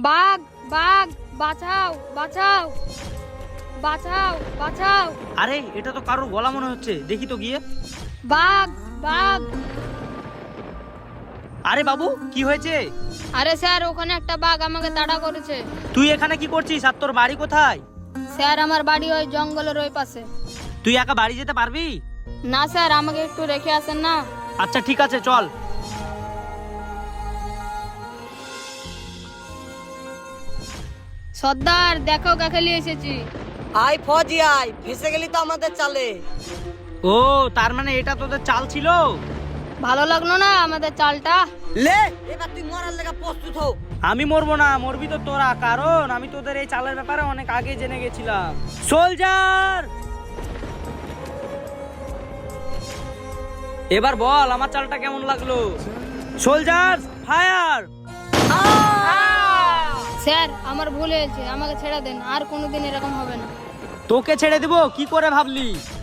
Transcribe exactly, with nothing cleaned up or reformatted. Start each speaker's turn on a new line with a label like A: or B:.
A: বাঘ বাঘ বাঁচাও বাঁচাও বাঁচাও বাঁচাও।
B: আরে এটা তো কারোর গলা মনে হচ্ছে, দেখি তো গিয়ে।
A: বাঘ বাঘ।
B: আরে বাবু কি হয়েছে?
A: আরে স্যার ওখানে একটা বাঘ আমাকে তাড়া করেছে।
B: তুই এখানে কি করছিস আর তোর বাড়ি কোথায়?
A: স্যার আমার বাড়ি ওই জঙ্গলের ওই পাশে।
B: তুই একা বাড়ি যেতে পারবি?
A: না স্যার আমাকে একটু রেখে আসেন না।
B: আচ্ছা ঠিক আছে চল।
A: সর্দার দেখো কাকে নিয়ে এসেছি।
C: আয় ফজি আয়, ফেসে গেলি তো আমাদের চালে।
B: ও তার মানে এটা তোদের চাল ছিল?
A: ভালো লাগলো না আমাদের চালটা?
C: লে এবার তুই মরার লেগে প্রস্তুত হও।
B: আমি মরবো না, মরবি তো তোরা, কারণ আমি তোদের এই চালের ব্যাপারে অনেক আগে জেনে গেছিলাম। সোলজার এবার বল আমার চালটা কেমন লাগলো? Soldier fire.
A: স্যার আমার ভুল হয়েছে, আমাকে ছেড়ে দেন, আর কোনোদিন এরকম হবে না।
B: তোকে ছেড়ে দিব কি করে ভাবলি?